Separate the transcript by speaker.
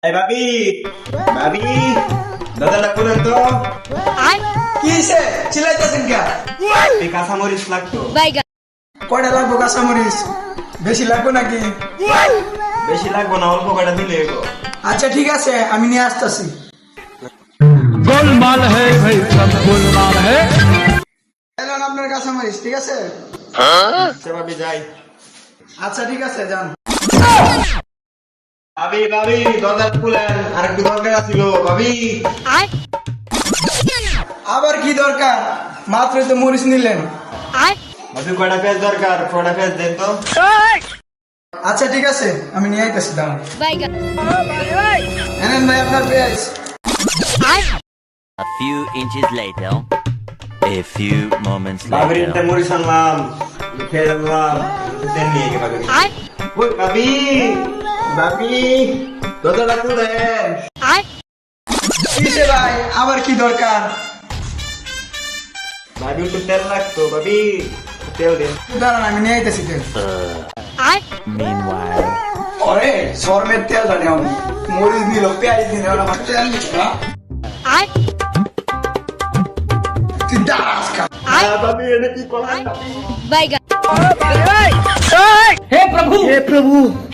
Speaker 1: এই ভাবি ভাবি দাদা লাগবো না তো
Speaker 2: কি হইছে চিল্লাইতেছেন কে?
Speaker 1: এই কাঁচামরিচ লাগতো
Speaker 2: কয়টা লাগবো কাঁচামরিচ? বেশি লাগবো নাকি?
Speaker 1: বেশি লাগবো না, অল্প কয়টা দিলে এগো।
Speaker 2: আচ্ছা ঠিক আছে, আমি নিয়ে আসতেছি।
Speaker 3: गोलमाल है भाई सब गोलमाल है।
Speaker 2: এলেন আপনার কাঁচামরিচ, ঠিক আছে?
Speaker 1: আচ্ছা ভাবি যাই।
Speaker 2: আচ্ছা ঠিক আছে, যান।
Speaker 1: ভাবি ভাবি দরজা খুলেন, আরেকটু দরকার ছিল ভাবি।
Speaker 2: আবার কি দরকার? মাত্রই তো মরিচ নিলেন।
Speaker 1: ভাবি কয়টা পেঁয়াজ দরকার, কয়টা পেঁয়াজ দেন তো।
Speaker 2: আচ্ছা ঠিক আছে, আমি নিয়ে আইতেছি, দাঁড়ান। এনেন ভাই আপনার পেঁয়াজ।
Speaker 4: A few inches later. A few moments
Speaker 1: ভাবির
Speaker 4: later.
Speaker 1: একটা মরিচ আনলাম, খেয়ে আনলাম, তেল নিয়ে গে ভাবি। ওই ভাবি ভাবি দরজাটা খুলেন।
Speaker 2: কিসে ভাই, আবার কি দরকার?
Speaker 1: ভাবি একটু তেল লাগতো ভাবি, তেল দিন।
Speaker 2: দাঁড়ান, আমি নিয়ে আইতেছি তেল।
Speaker 4: Meanwhile.
Speaker 2: ওরে শর্মের তেল জানি আমি, মরিচ নিল, পেঁয়াজ নিল, আমার তেল নিল না। তুই দাঁড়াস কা?
Speaker 1: ভাবি এটা কি করলাম?
Speaker 3: हे प्रभु